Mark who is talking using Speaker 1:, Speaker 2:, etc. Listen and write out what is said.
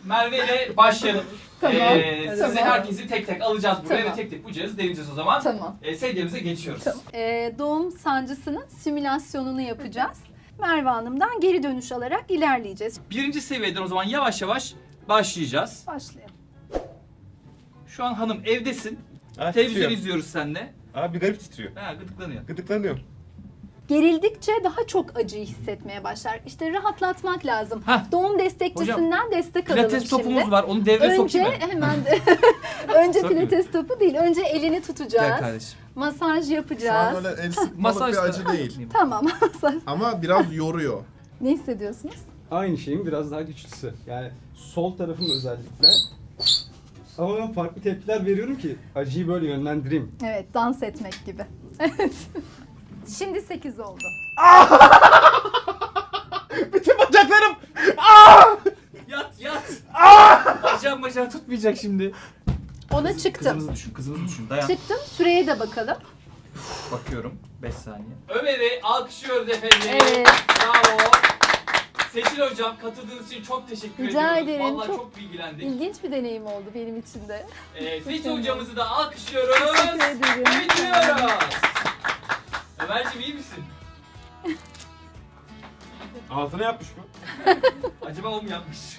Speaker 1: Merve ile başlayalım.
Speaker 2: Tamam.
Speaker 1: Sizi herkesi tek tek alacağız buraya
Speaker 2: Tamam.
Speaker 1: ve tek tek bu cihazı deneyeceğiz o zaman.
Speaker 2: Tamam.
Speaker 1: Sedyemize geçiyoruz.
Speaker 2: Tamam. Doğum sancısının simülasyonunu yapacağız. Merve Hanım'dan geri dönüş alarak ilerleyeceğiz.
Speaker 1: Birinci seviyeden o zaman yavaş yavaş başlayacağız.
Speaker 2: Başlayalım.
Speaker 1: Şu an hanım evdesin.
Speaker 3: Ha,
Speaker 1: Televizyon
Speaker 3: titriyor.
Speaker 1: izliyoruz seninle.
Speaker 3: Abi garip titriyor.
Speaker 1: Ha, gıdıklanıyor.
Speaker 3: Gıdıklanıyor.
Speaker 2: Gerildikçe daha çok acıyı hissetmeye başlar. İşte rahatlatmak lazım.
Speaker 1: Hah.
Speaker 2: Doğum destekçisinden destek alalım
Speaker 1: Pilates
Speaker 2: şimdi.
Speaker 1: topumuz var. Onu devreye
Speaker 2: Önce
Speaker 1: sokayım mı?
Speaker 2: hemen de önce
Speaker 1: Sokayım.
Speaker 2: pilates topu değil. Önce elini
Speaker 1: Gel
Speaker 2: tutacağız.
Speaker 1: kardeşim.
Speaker 2: Masaj
Speaker 4: Şu an
Speaker 2: yapacağız.
Speaker 4: öyle el sıkmalık
Speaker 1: Masaj
Speaker 4: bir
Speaker 1: da-
Speaker 4: acı değil.
Speaker 2: Tamam.
Speaker 4: Ama biraz yoruyor.
Speaker 2: Ne hissediyorsunuz?
Speaker 5: Aynı şeyin biraz daha güçlüsü. Yani sol tarafım özellikle. Ama ben farklı tepkiler veriyorum ki acıyı böyle yönlendireyim.
Speaker 2: Evet, dans etmek gibi. Şimdi 8 oldu.
Speaker 3: Bütün bacaklarım.
Speaker 1: Yat. Bacağım tutmayacak şimdi.
Speaker 2: Ona çıktım.
Speaker 1: Kızımızı düşün. Dayan.
Speaker 2: Çıktım. Süreye de bakalım.
Speaker 1: Bakıyorum. 5 saniye. Ömer'i alkışlıyoruz efendim.
Speaker 2: Evet.
Speaker 1: Bravo. Seçil hocam katıldığınız için çok teşekkür
Speaker 2: Rica
Speaker 1: ediyoruz.
Speaker 2: ederim.
Speaker 1: Vallahi
Speaker 2: Çok
Speaker 1: çok bilgilendik.
Speaker 2: İlginç bir deneyim oldu benim için de.
Speaker 1: Seçil hocamızı da alkışlıyoruz.
Speaker 2: Teşekkür ederim.
Speaker 1: Bitiriyoruz. Ömerciğim iyi misin?
Speaker 3: Altına yapmış mı?
Speaker 1: Acaba o mu yapmış?